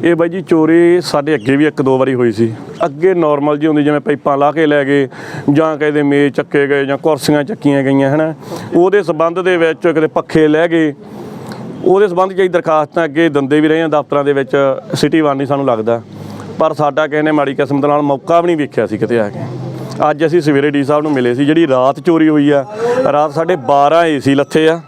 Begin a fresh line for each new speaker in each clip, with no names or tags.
ਇਹ ਬਾਈ ਜੀ ਚੋਰੀ ਸਾਡੇ ਅੱਗੇ ਵੀ 1-2 ਵਾਰੀ ਹੋਈ ਸੀ। ਅੱਗੇ ਨੋਰਮਲ ਜੀ ਹੁੰਦੀ, ਜਿਵੇਂ ਪਾਈਪਾਂ ਲਾ ਕੇ ਲੈ ਗਏ ਜਾਂ ਕਿਸੇ ਦੇ ਮੇਜ਼ ਚੱਕੇ ਗਏ ਜਾਂ ਕੁਰਸੀਆਂ ਚੱਕੀਆਂ ਗਈਆਂ ਹੈ ਨਾ, ਉਹਦੇ ਸੰਬੰਧ ਦੇ ਵਿੱਚ ਕਿਤੇ ਪੱਖੇ ਲੈ ਗਏ। ਉਹਦੇ ਸੰਬੰਧ 'ਚ ਅਸੀਂ ਦਰਖਾਸਤਾਂ ਅੱਗੇ ਦਿੰਦੇ ਵੀ ਰਹੇ ਹਾਂ ਦਫ਼ਤਰਾਂ ਦੇ ਵਿੱਚ, ਸਿਟੀ ਵਨ ਨਹੀਂ ਸਾਨੂੰ ਲੱਗਦਾ, ਪਰ ਸਾਡਾ ਕਿਸੇ ਨੇ ਮਾੜੀ ਕਿਸਮਤ ਨਾਲ ਮੌਕਾ ਵੀ ਨਹੀਂ ਵੇਖਿਆ ਸੀ ਕਿਤੇ ਆ ਕੇ। ਅੱਜ ਅਸੀਂ ਸਵੇਰੇ ਡੀ ਸਾਹਿਬ ਨੂੰ ਮਿਲੇ ਸੀ। ਜਿਹੜੀ ਰਾਤ ਚੋਰੀ ਹੋਈ ਆ, ਰਾਤ ਸਾਡੇ 12 ਏਸੀ ਲੱਥੇ ਆ,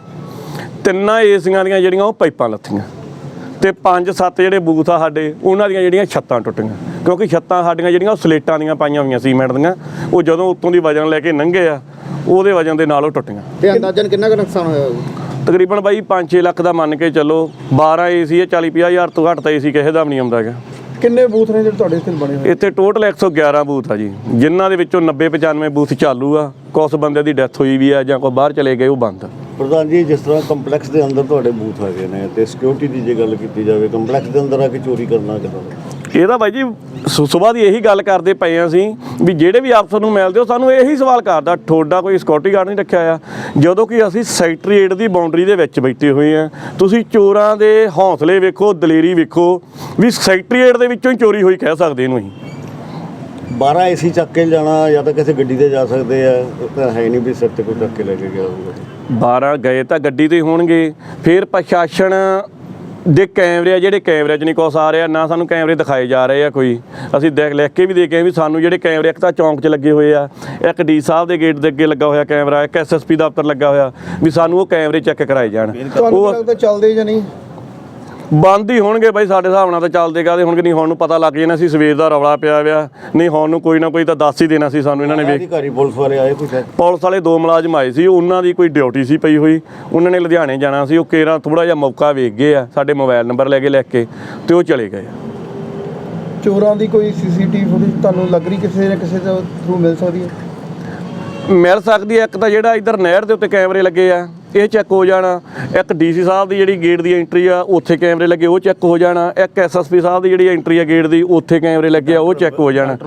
3 ਏਸੀਆਂ ਦੀਆਂ ਜਿਹੜੀਆਂ ਉਹ ਪਾਈਪਾਂ ਲੱਥੀਆਂ, ਤੇ 5-7 ਜਿਹੜੇ ਬੂਥ ਆ ਸਾਡੇ ਉਹਨਾਂ ਦੀਆਂ ਜਿਹੜੀਆਂ ਛੱਤਾਂ ਟੁੱਟੀਆਂ, ਕਿਉਂਕਿ ਛੱਤਾਂ ਸਾਡੀਆਂ ਜਿਹੜੀਆਂ ਉਹ ਸਲੇਟਾਂ ਦੀਆਂ ਪਾਈਆਂ ਹੋਈਆਂ ਸੀਮੈਂਟ ਦੀਆਂ, ਉਹ ਜਦੋਂ ਉੱਤੋਂ ਦੀ ਵਜਨ ਲੈ ਕੇ ਲੰਘੇ ਆ ਉਹਦੇ ਵਜਨ ਦੇ ਨਾਲ ਉਹ ਟੁੱਟੀਆਂ।
ਤੇ ਅੰਦਾਜ਼ਨ ਕਿੰਨਾ ਕੁ ਨੁਕਸਾਨ ਹੋਇਆ?
ਤਕਰੀਬਨ ਬਾਈ 5-6 ਲੱਖ ਦਾ ਮੰਨ ਕੇ ਚੱਲੋ। 12 ਏਸੀ ਹੈ, 40-50 ਹਜ਼ਾਰ ਤੋਂ ਘੱਟ ਤਾਂ ਏਸੀ ਕਿਸੇ ਦਾ ਵੀ ਨਹੀਂ ਆਉਂਦਾ ਹੈਗਾ।
ਕਿੰਨੇ ਬੂਥ ਨੇ ਜਿਹੜੇ ਤੁਹਾਡੇ ਇੱਥੇ ਬਣੇ ਹੋਏ?
ਇੱਥੇ ਟੋਟਲ 111 ਬੂਥ ਆ ਜੀ, ਜਿਨ੍ਹਾਂ ਦੇ ਵਿੱਚੋਂ 90-95 ਬੂਥ ਚਾਲੂ ਆ। ਕੁਛ ਬੰਦੇ ਦੀ ਡੈਥ ਹੋਈ ਵੀ ਆ ਜਾਂ ਕੋਈ ਬਾਹਰ ਚਲੇ ਗਏ, ਉਹ ਬੰਦ।
ਪ੍ਰਧਾਨ ਜੀ, ਜਿਸ ਤਰ੍ਹਾਂ ਕੰਪਲੈਕਸ ਦੇ ਅੰਦਰ ਤੁਹਾਡੇ ਬੂਥ ਹੈਗੇ ਨੇ ਤੇ ਸਿਕਿਉਰਿਟੀ ਦੀ ਜੇ ਗੱਲ ਕੀਤੀ ਜਾਵੇ, ਕੰਪਲੈਕਸ ਦੇ ਅੰਦਰ ਆ ਕੇ ਚੋਰੀ ਕਰਨਾ ਕਿੱਦਾਂ?
ਇਹਦਾ ਬਾਈ ਜੀ ਸੁਬਾਹ ਦੀ ਇਹੀ ਗੱਲ ਕਰਦੇ ਪਏ ਹਾਂ ਅਸੀਂ ਵੀ ਜਿਹੜੇ ਵੀ ਅਫਸਰ ਨੂੰ ਮਿਲਦੇ ਹੋ ਸਾਨੂੰ ਇਹੀ ਸਵਾਲ ਕਰਦਾ, ਤੁਹਾਡਾ ਕੋਈ ਸਿਕਿਉਰਿਟੀ ਗਾਰਡ ਨਹੀਂ ਰੱਖਿਆ ਆ, ਜਦੋਂ ਕਿ ਅਸੀਂ ਸੈਕਟਰੀਏਟ ਦੀ ਬਾਉਂਡਰੀ ਦੇ ਵਿੱਚ ਬੈਠੇ ਹੋਏ ਹਾਂ। ਤੁਸੀਂ ਚੋਰਾਂ ਦੇ ਹੌਸਲੇ ਵੇਖੋ, ਦਲੇਰੀ ਵੇਖੋ, ਵੀ ਸੈਕਟਰੀਏਟ ਦੇ ਵਿੱਚੋਂ ਹੀ ਚੋਰੀ ਹੋਈ ਕਹਿ ਸਕਦੇ ਇਹਨੂੰ ਅਸੀਂ।
12 ਏਸੀ ਚੱਕ ਕੇ ਜਾਣਾ ਜਾਂ ਤਾਂ ਕਿਸੇ ਗੱਡੀ ਤੇ ਜਾ ਸਕਦੇ ਆ, ਤਾਂ ਹੈ ਨਹੀਂ ਵੀ ਸਿਰ ਤੇ ਕੋਈ ਚੱਕ ਕੇ ਲੈ ਕੇ ਗਿਆ ਹੋਊਗਾ।
12 ਗਏ ਤਾਂ ਗੱਡੀ ਤੇ ਹੋਣਗੇ। ਫਿਰ ਪ੍ਰਸ਼ਾਸਨ ਦੇ ਕੈਮਰੇ ਆ, ਜਿਹੜੇ ਕੈਮਰੇ 'ਚ ਨਹੀਂ ਕੁਛ ਆ ਰਿਹਾ, ਨਾ ਸਾਨੂੰ ਕੈਮਰੇ ਦਿਖਾਏ ਜਾ ਰਹੇ ਆ ਕੋਈ। ਅਸੀਂ ਲਿਖ ਕੇ ਵੀ ਦੇ ਕੇ ਵੀ ਸਾਨੂੰ ਜਿਹੜੇ ਕੈਮਰੇ ਇੱਕ ਤਾਂ ਚੌਂਕ 'ਚ ਲੱਗੇ ਹੋਏ ਆ, ਇੱਕ ਡੀ ਸਾਹਿਬ ਦੇ ਗੇਟ ਦੇ ਅੱਗੇ ਲੱਗਾ ਹੋਇਆ ਕੈਮਰਾ, ਇੱਕ SSP ਦਫ਼ਤਰ ਲੱਗਾ ਹੋਇਆ, ਵੀ ਸਾਨੂੰ ਉਹ ਕੈਮਰੇ ਚੈੱਕ ਕਰਾਏ ਜਾਣ।
ਉਹ ਲੱਗਦਾ ਚੱਲਦੇ ਜਾਂ ਨਹੀਂ?
ਬੰਦ ਹੀ ਹੋਣਗੇ ਬਾਈ, ਸਾਡੇ ਹਿਸਾਬ ਨਾਲ ਤਾਂ ਚੱਲਦੇ ਕਾਹਦੇ ਹੋਣਗੇ। ਨਹੀਂ ਹੁਣ ਨੂੰ ਪਤਾ ਲੱਗ ਜਾਣਾ ਸੀ ਸਵੇਰ ਦਾ ਰੌਲਾ ਪਿਆ ਹੋਇਆ, ਨਹੀਂ ਹੁਣ ਨੂੰ ਕੋਈ ਨਾ ਕੋਈ ਤਾਂ ਦੱਸ ਹੀ ਦੇਣਾ ਸੀ ਸਾਨੂੰ ਇਹਨਾਂ ਨੇ।
ਅਧਿਕਾਰੀ ਪੁਲਿਸ ਵਾਲੇ ਆਏ ਕੁਛ?
ਪੁਲਿਸ ਵਾਲੇ 2 ਮੁਲਾਜ਼ਮ ਆਏ ਸੀ, ਉਹਨਾਂ ਦੀ ਕੋਈ ਡਿਊਟੀ ਸੀ ਪਈ ਹੋਈ, ਉਹਨਾਂ ਨੇ ਲੁਧਿਆਣੇ ਜਾਣਾ ਸੀ। ਉਹ ਕੇਰਾਂ ਥੋੜ੍ਹਾ ਜਿਹਾ ਮੌਕਾ ਵੇਖ ਗਏ ਆ, ਸਾਡੇ ਮੋਬਾਈਲ ਨੰਬਰ ਲੈ ਕੇ ਲਿਖ ਕੇ, ਤੇ ਉਹ ਚਲੇ ਗਏ।
ਚੋਰਾਂ ਦੀ ਕੋਈ CCTV ਫੁਟੇਜ ਤੁਹਾਨੂੰ ਲੱਗ ਰਹੀ ਕਿਸੇ ਨਾ ਕਿਸੇ ਦੇ ਥਰੂ ਮਿਲ ਸਕਦੀ ਹੈ?
ਮਿਲ ਸਕਦੀ ਹੈ। ਇੱਕ ਤਾਂ ਜਿਹੜਾ ਇੱਧਰ ਨਹਿਰ ਦੇ ਉੱਤੇ ਕੈਮਰੇ ਲੱਗੇ ਆ, ਇਹ ਚੈੱਕ ਹੋ ਜਾਣਾ। ਇੱਕ DC ਸਾਹਿਬ ਦੀ ਜਿਹੜੀ ਗੇਟ ਦੀ ਐਂਟਰੀ ਆ, ਉੱਥੇ ਕੈਮਰੇ ਲੱਗੇ, ਉਹ ਚੈੱਕ ਹੋ ਜਾਣਾ। ਇੱਕ SSP ਸਾਹਿਬ ਦੀ ਜਿਹੜੀ ਐਂਟਰੀ ਆ ਗੇਟ ਦੀ, ਉੱਥੇ ਕੈਮਰੇ ਲੱਗੇ ਆ, ਉਹ ਚੈੱਕ ਹੋ ਜਾਣਾ।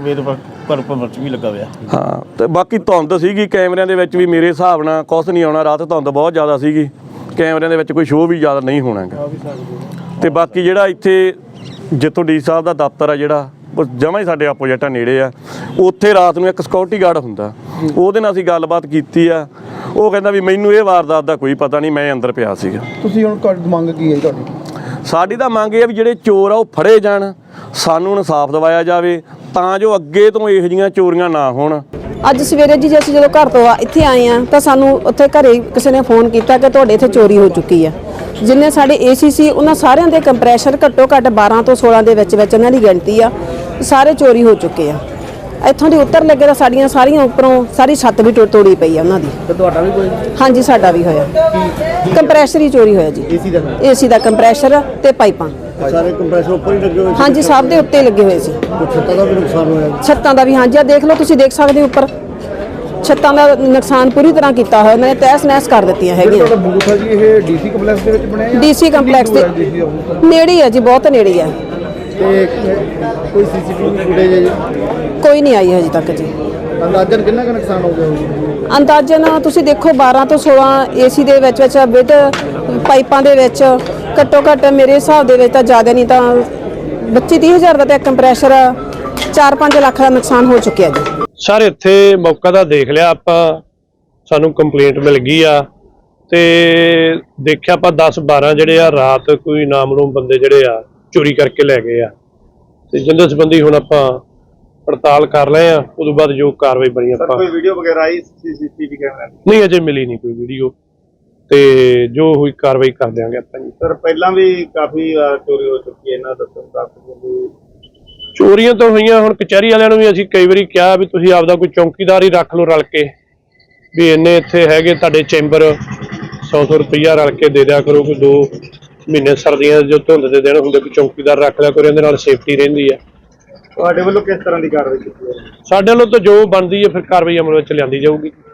ਪਰ ਵੀ ਲੱਗਾ ਹੋਇਆ।
ਹਾਂ, ਤੇ ਬਾਕੀ ਧੁੰਦ ਸੀਗੀ ਕੈਮਰਿਆਂ ਦੇ ਵਿੱਚ ਵੀ, ਮੇਰੇ ਹਿਸਾਬ ਨਾਲ ਕੁਛ ਨਹੀਂ ਆਉਣਾ। ਰਾਤ ਧੁੰਦ ਬਹੁਤ ਜ਼ਿਆਦਾ ਸੀਗੀ, ਕੈਮਰਿਆਂ ਦੇ ਵਿੱਚ ਕੋਈ ਸ਼ੋਅ ਵੀ ਜ਼ਿਆਦਾ ਨਹੀਂ ਹੋਣਾ ਗਾ। ਤੇ ਬਾਕੀ ਜਿਹੜਾ ਇੱਥੇ ਜਿੱਥੋਂ DC ਸਾਹਿਬ ਦਾ ਦਫ਼ਤਰ ਆ, ਜਿਹੜਾ ਉਹ ਜਮਾਂ ਹੀ ਸਾਡੇ ਆਪੋਜੀਟ ਆ, ਨੇੜੇ ਆ, ਉੱਥੇ ਰਾਤ ਨੂੰ ਇੱਕ ਸਿਕਿਉਰਿਟੀ ਗਾਰਡ ਹੁੰਦਾ। ਉਹਦੇ ਨਾਲ ਅਸੀਂ ਗੱਲਬਾਤ ਕੀਤੀ ਆ, ਉਹ ਕਹਿੰਦਾ ਵੀ ਮੈਨੂੰ ਇਹ ਵਾਰਦਾਤ ਦਾ ਕੋਈ ਪਤਾ ਨਹੀਂ, ਮੈਂ ਅੰਦਰ ਪਿਆ ਸੀਗਾ।
ਤੁਸੀਂ ਹੁਣ ਮੰਗ ਕੀ ਹੈ ਤੁਹਾਡੀ?
ਸਾਡੀ ਤਾਂ ਮੰਗ ਇਹ ਆ ਵੀ ਜਿਹੜੇ ਚੋਰ ਆ ਉਹ ਫੜੇ ਜਾਣ, ਸਾਨੂੰ ਇਨਸਾਫ ਦਿਵਾਇਆ ਜਾਵੇ, ਤਾਂ ਜੋ ਅੱਗੇ ਤੋਂ ਇਹੋ ਜਿਹੀਆਂ ਚੋਰੀਆਂ ਨਾ ਹੋਣ।
ਅੱਜ ਸਵੇਰੇ ਜੀ ਅਸੀਂ ਜਦੋਂ ਘਰ ਤੋਂ ਇੱਥੇ ਆਏ ਆ ਤਾਂ ਸਾਨੂੰ ਉੱਥੇ ਘਰੇ ਕਿਸੇ ਨੇ ਫੋਨ ਕੀਤਾ ਕਿ ਤੁਹਾਡੇ ਇੱਥੇ ਚੋਰੀ ਹੋ ਚੁੱਕੀ ਆ। ਜਿੰਨੇ ਸਾਡੇ ਏਸੀ ਸੀ ਉਹਨਾਂ ਸਾਰਿਆਂ ਦੇ ਕੰਪਰੈਸ਼ਰ ਘੱਟੋ ਘੱਟ 12 ਤੋਂ 16 ਦੇ ਵਿੱਚ ਉਹਨਾਂ ਦੀ ਗਿਣਤੀ ਆ, ਸਾਰੇ ਚੋਰੀ ਹੋ ਚੁੱਕੇ ਆ। ਇੱਥੋਂ ਦੀ ਉੱਤਰ ਲੱਗੇ ਤਾਂ ਸਾਡੀਆਂ ਸਾਰੀਆਂ ਉੱਪਰੋਂ ਸਾਰੀ ਛੱਤ ਵੀ ਤੋੜੀ ਪਈ ਆ ਉਹਨਾਂ ਦੀ।
ਤੇ ਤੁਹਾਡਾ ਵੀ ਕੋਈ?
ਹਾਂਜੀ, ਸਾਡਾ ਵੀ ਹੋਇਆ। ਕੰਪਰੈਸ਼ਰ ਹੀ ਚੋਰੀ ਹੋਇਆ ਜੀ। ਏਸੀ ਦਾ ਕੰਪਰੈਸ਼ਰ ਤੇ ਪਾਈਪਾਂ
ਸਾਰੇ ਕੰਪਰੈਸਰ ਉੱਪਰ ਹੀ ਲੱਗੇ ਹੋਏ?
ਹਾਂਜੀ, ਸਭ ਦੇ ਉੱਤੇ ਲੱਗੇ ਹੋਏ ਸੀ।
ਛੱਤਾਂ ਦਾ ਵੀ ਨੁਕਸਾਨ ਹੋਇਆ?
ਛੱਤਾਂ ਦਾ ਵੀ, ਹਾਂਜੀ, ਆ ਦੇਖ ਲਓ, ਤੁਸੀਂ ਦੇਖ ਸਕਦੇ ਹੋ ਉੱਪਰ ਛੱਤਾਂ ਦਾ ਨੁਕਸਾਨ ਪੂਰੀ ਤਰ੍ਹਾਂ ਕੀਤਾ ਹੋਇਆ। ਉਹਨਾਂ ਨੇ ਤਹਿਸ ਨਹਿਸ ਕਰ ਦਿੱਤੀਆਂ ਹੈਗੀਆਂ।
ਤੁਹਾਡਾ ਬੂਥ ਹੈ ਜੀ, ਇਹ DC ਕੰਪਲੈਕਸ ਦੇ ਵਿੱਚ ਬਣਿਆ ਜਾਂ
DC ਕੰਪਲੈਕਸ ਦੇ ਨੇੜੇ ਹੀ ਹੈ ਜੀ, ਬਹੁਤ ਨੇੜੇ ਹੈ।
ਤੇ ਕੋਈ CCTV ਫੁਟੇਜ ਹੈ ਜੀ?
ਕੋਈ ਨਹੀਂ ਆਈ ਹਜੇ ਤੱਕ ਜੀ।
ਅੰਦਾਜ਼ਨ ਕਿੰਨਾ ਕੁ ਨੁਕਸਾਨ ਹੋ ਗਿਆ ਹੋਊਗਾ?
ਅੰਦਾਜ਼ਨ ਤੁਸੀਂ ਦੇਖੋ 12 ਤੋਂ 16 ਏਸੀ ਦੇ ਵਿੱਚ ਵਿਦ ਪਾਈਪਾਂ ਦੇ ਵਿੱਚ ਘੱਟੋ ਘੱਟ ਮੇਰੇ ਹਿਸਾਬ ਦੇ ਵਿੱਚ ਤਾਂ ਜ਼ਿਆਦਾ ਨਹੀਂ ਤਾਂ 25-30 ਹਜ਼ਾਰ ਦਾ, ਤੇ ਕੰਪਰੈਸ਼ਰ 4-5 ਲੱਖ ਦਾ ਨੁਕਸਾਨ ਹੋ ਚੁੱਕਿਆ ਜੀ।
ਸਰ ਇੱਥੇ ਮੌਕਾ ਤਾਂ ਦੇਖ ਲਿਆ ਆਪਾਂ, ਸਾਨੂੰ ਕੰਪਲੇਂਟ ਮਿਲ ਗਈ ਆ ਤੇ ਦੇਖਿਆ ਆਪਾਂ 10-12 ਜਿਹੜੇ ਆ ਰਾਤ ਕੋਈ ਨਾਮਲੂਮ ਬੰਦੇ ਜਿਹੜੇ ਆ ਚੋਰੀ ਕਰਕੇ ਲੈ ਗਏ ਆ, ਤੇ ਜਿੰਦੇ ਸੰਬੰਧੀ ਹੁਣ ਆਪਾਂ ਪੜਤਾਲ ਕਰ ਰਹੇ ਆ। ਉਦੋਂ ਬਾਅਦ ਜੋ ਕਾਰਵਾਈ ਬਣੀ ਆਪਾਂ।
ਕੋਈ ਵੀਡੀਓ ਵਗੈਰਾ ਆਈ CCTV ਕੈਮਰਾ?
ਨਹੀਂ, ਅਜੇ ਮਿਲੀ ਨਹੀਂ ਕੋਈ ਵੀਡੀਓ, ਤੇ ਜੋ ਹੋਈ ਕਾਰਵਾਈ ਕਰ ਦਿਆਂਗੇ ਆਪਾਂ ਜੀ।
ਸਰ ਪਹਿਲਾਂ ਵੀ ਕਾਫੀ ਚੋਰੀ ਹੋ ਚੁੱਕੀ ਹੈ, ਇਹਨਾਂ ਦੱਸੋ।
ਚੋਰੀਆਂ ਤਾਂ ਹੋਈਆਂ, ਹੁਣ ਕਚਹਿਰੀ ਵਾਲਿਆਂ ਨੂੰ ਵੀ ਅਸੀਂ ਕਈ ਵਾਰੀ ਕਿਹਾ ਵੀ ਤੁਸੀਂ ਆਪਦਾ ਕੋਈ ਚੌਕੀਦਾਰ ਹੀ ਰੱਖ ਲਓ ਰਲ ਕੇ, ਵੀ ਇੰਨੇ ਇੱਥੇ ਹੈਗੇ ਤੁਹਾਡੇ ਚੈਂਬਰ, 100-100 ਰੁਪਈਆ ਰਲ ਕੇ ਦੇ ਦਿਆ ਕਰੋ। ਕੋਈ 2 ਮਹੀਨੇ ਸਰਦੀਆਂ ਜੋ ਧੁੰਦ ਦੇ ਦਿਨ ਹੁੰਦੇ, ਕੋਈ ਚੌਕੀਦਾਰ ਰੱਖ ਲਿਆ ਕਰੋ, ਇਹਦੇ ਨਾਲ ਸੇਫਟੀ ਰਹਿੰਦੀ ਆ।
ਤੁਹਾਡੇ ਵੱਲੋਂ ਕਿਸ ਤਰ੍ਹਾਂ ਦੀ ਕਾਰਵਾਈ ਕੀਤੀ ਹੈ?
ਸਾਡੇ ਵੱਲੋਂ ਤਾਂ ਜੋ ਬਣਦੀ ਹੈ ਫਿਰ ਕਾਰਵਾਈ ਅਮਲ ਵਿੱਚ ਲਿਆਂਦੀ ਜਾਊਗੀ।